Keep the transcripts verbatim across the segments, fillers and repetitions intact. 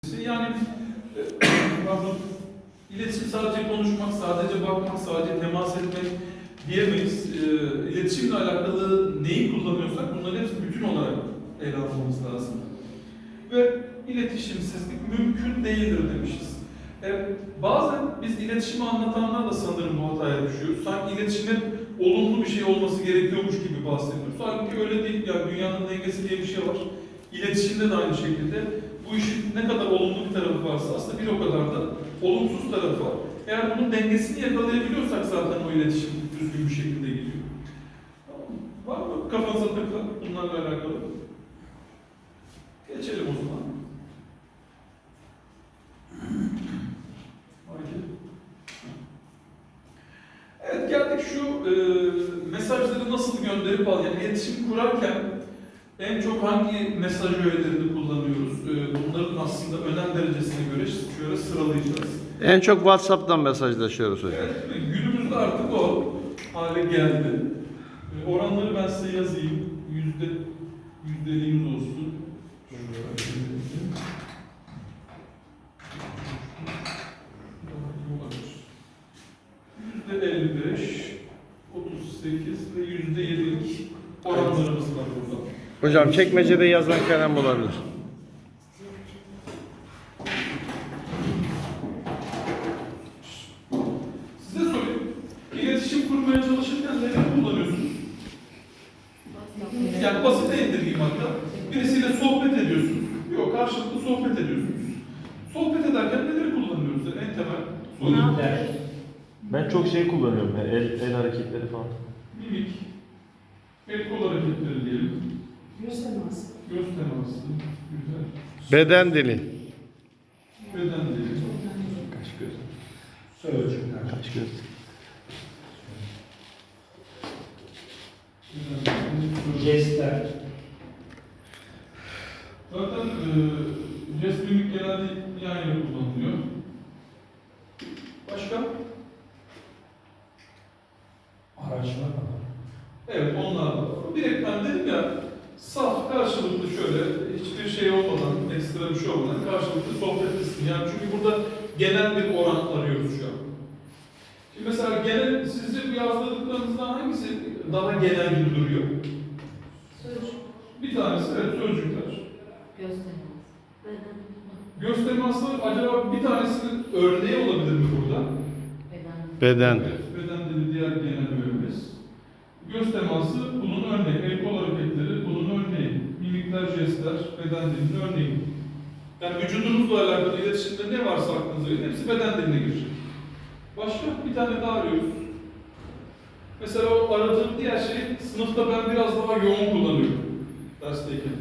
Yani pardon, iletişim sadece konuşmak, sadece bakmak, sadece temas etmek diyemeyiz. E, iletişimle alakalı neyi kullanıyorsak bunların hepsi bütün olarak ele almamız lazım. Ve iletişimsizlik mümkün değildir demişiz. E, bazen biz iletişimi anlatanlar da sanırım bu hataya düşüyoruz. Sanki iletişimin olumlu bir şey olması gerekiyormuş gibi bahsediyoruz. Halbuki öyle değil. Yani dünyanın dengesi diye bir şey var. İletişimde de aynı şekilde. Bu işin ne kadar olumlu bir tarafı varsa aslında bir o kadar da olumsuz tarafı var. Eğer bunun dengesini yakalayabiliyorsak zaten o iletişim düzgün bir şekilde gidiyor. Tamam mı? Var mı kafanıza takılan bunlarla alakalı? Geçelim o zaman. Haydi. Evet, geldik şu e, mesajları nasıl gönderip al. Yani iletişim kurarken en çok hangi mesaj öğelerini kullanıyoruz? E, bunların aslında önem derecesine göre şöyle sıralayacağız. En çok WhatsApp'tan mesajlaşıyoruz hocam. Evet, günümüzde artık o hale geldi. E, oranları ben size yazayım. Yüzde yüzdeliğimiz olsun. Yüzde elli beş, otuz sekiz ve yüzde yedilik oranlarımız var burada. Hocam çekmecede yazan kalem olabilir. Size sorayım. İletişim kurmaya çalışırken neler kullanıyorsunuz? Yani basit indirgeyim hatta. Birisiyle sohbet ediyorsunuz. Yok, karşılıklı sohbet ediyorsunuz. Sohbet ederken neleri kullanıyoruz? En temel soru. Mimikler. Ben çok şey kullanıyorum ya, el, el hareketleri falan. Mimik. El kol hareketleri diyelim. Göz teması. Göz teması. Güzel. Beden dili. Beden dili. Kaş göz. Sözcükler. Kaş göz. Jestler. Zaten e, jest mimik genelde yan yana kullanılıyor. Başka? Araçlar var. Evet, onlar da var. Direkt ben dedim ya, saf, karşılıklı şöyle, hiçbir şey olmadan, ekstra bir şey olmadan karşılıklı sohbet etsin. Yani çünkü burada genel bir oran arıyoruz şu an. Şimdi mesela genel, sizce bu yazdıklarınızdan hangisi daha genel gibi duruyor? Sözcük. Bir tanesi, evet, sözcükler. Göz teması. Beden. Göz teması, acaba bir tanesinin örneği olabilir mi burada? Beden. Beden. Evet, beden dili diğer genel öğemiz. Göz teması bunun örneği, el kol hareketleri bunun örneği, mimikler, jestler, beden dilinin örneği. Yani vücudunuzla alakalı iletişimde ne varsa aklınıza gelin, hepsi beden diline girecek. Başka bir tane daha arıyoruz. Mesela o aradığım diğer şey, sınıfta ben biraz daha yoğun kullanıyorum dersteyken.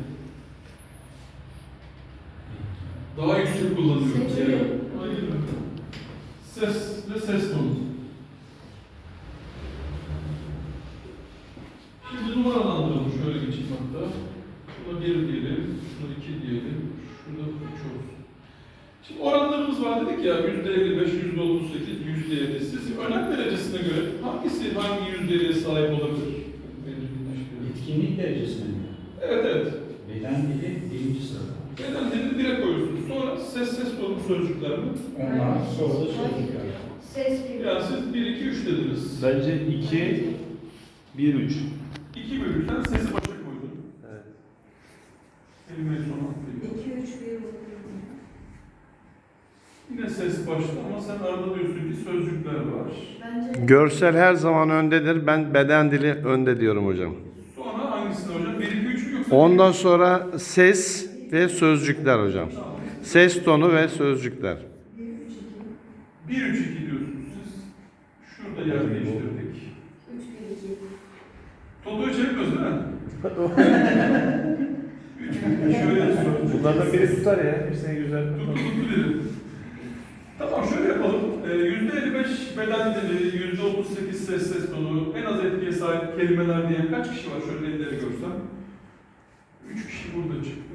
Daha yüksek kullanıyorum. Ses Yani. yok. Hayır. Ses ve ses tonu. Şimdi numaralandıralım. Şöyle geçeyim hatta. Şuna bir diyelim, şuna iki diyelim, şurada üç olsun. Şimdi oranlarımız var dedik ya, yüzde elli beş, yüzde otuz sekiz, yüzde yedi. Siz önem derecesine göre hangisi hangi yüzdeliğe sahip olabilir? Etkinlik derecesine mi? Evet, evet. Beden dili birinci sırada. Beden dilini direkt koyuyorsunuz. Sonra ses ses tonu sözcükler mi? Onlar sonra da sözcükler. Ses bir. Yani siz bir, iki, üç dediniz. Bence iki, bir, üç. iki bölümden sesi başa koydun. Evet. Kelimeyi sona atlayayım. İki, üç, bir. Yine ses başta ama sen arada diyorsun ki sözcükler var. Bence Görsel her zaman öndedir. Ben beden dili önde diyorum hocam. Sonra hangisini hocam? bir, iki, üç mü yoksa? Ondan sonra ses ve sözcükler hocam. Tamam. Ses tonu ve sözcükler. bir, üç, iki diyorsunuz siz. Şurada yer değiştirdik. üç, bir, iki. Toto'yu çevirmiyoruz değil mi? üç, şöyle sözcük. Bunlardan biri tutar ya, hepsine güzel. Tuttu tuttu dedim. Tamam, şöyle yapalım. Ee, yüzde elli beş beden dili, yüzde otuz sekiz ses ses tonu, en az etkiye sahip kelimeler diyen kaç kişi var? Şöyle elleri görsem. Üç kişi burada çıktı.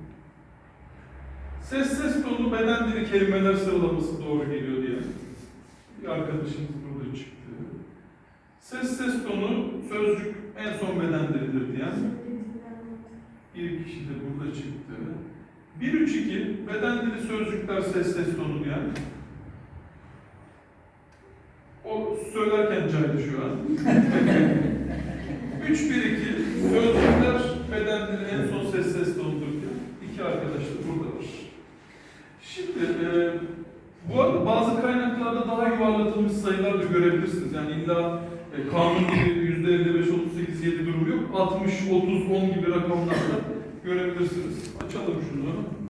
Ses ses tonu, beden dili, kelimeler sıralaması doğru geliyor diye. Bir arkadaşımız burada çıktı. Ses ses tonu, sözcük en son beden dilidir diyen bir kişi de burada çıktı. bir üç iki beden dili sözcükler ses ses tonu yani. O söylerken caydı şu an. üç bir iki sözcükler beden dili en son ses ses tonudur diyor. İki arkadaş da buradadır. Şimdi e, bu arada bazı kaynaklarda daha yuvarlatılmış sayılar da görebilirsiniz. Yani illa e, kanun gibi yüzde elli beş, otuz sekiz, yedi durumu yok. altmış, otuz, on gibi rakamlarda görebilirsiniz. Açalım şunu.